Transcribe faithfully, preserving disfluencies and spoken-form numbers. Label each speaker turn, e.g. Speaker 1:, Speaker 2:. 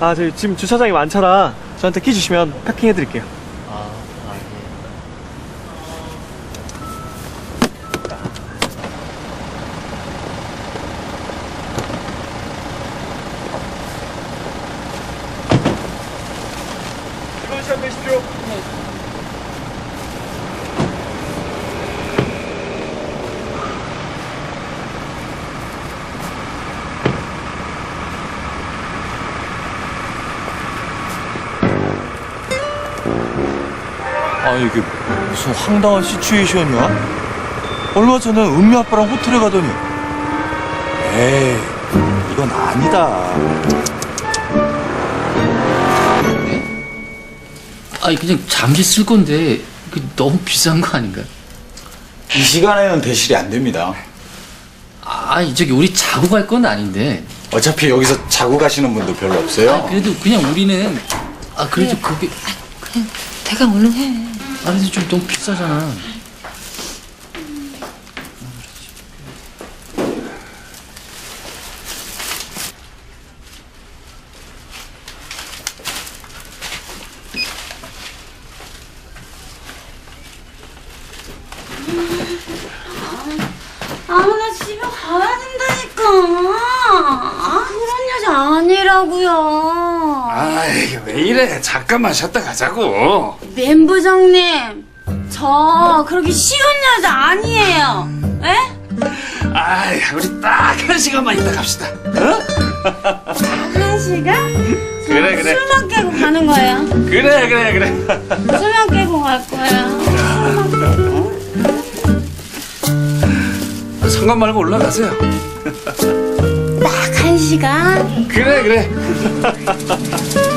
Speaker 1: 아, 저희 지금 주차장이 많잖아. 저한테 키 주시면 패킹해드릴게요.
Speaker 2: 아, 아, 예.
Speaker 1: 즐거운 시간 되십시오.
Speaker 3: 아 이게 무슨 황당한 시츄에이션이야? 얼마 전에 은미 아빠랑 호텔에 가더니 에이 이건 아니다.
Speaker 2: 아니 그냥 잠시 쓸 건데 그 너무 비싼 거 아닌가?
Speaker 4: 이 시간에는 대실이 안 됩니다.
Speaker 2: 아니 저기 우리 자고 갈 건 아닌데.
Speaker 4: 어차피 여기서 자고 가시는 분도 별로 없어요.
Speaker 2: 아, 그래도 그냥 우리는 아 그래도 그게
Speaker 5: 그냥 대강 얼른 해.
Speaker 2: 아 근데 좀 너무 비싸잖아.
Speaker 5: 아, 나 집에 가야 된다니까. 아, 그런 여자 아니라고요.
Speaker 6: 아이 왜 이래 잠깐만 쉬었다 가자고.
Speaker 5: 멤부장님, 저 그렇게 쉬운 여자 아니에요. 에?
Speaker 6: 아이 우리 딱 한 시간만 있다 갑시다. 어?
Speaker 5: 한 시간? 저
Speaker 6: 그래, 그래.
Speaker 5: 술만 깨고 가는 거예요.
Speaker 6: 그래 그래 그래.
Speaker 5: 술만 깨고 갈 거예요. 술만 깨고.
Speaker 6: 상관 말고 올라가세요.
Speaker 5: 딱 한 시간?
Speaker 6: 그래 그래.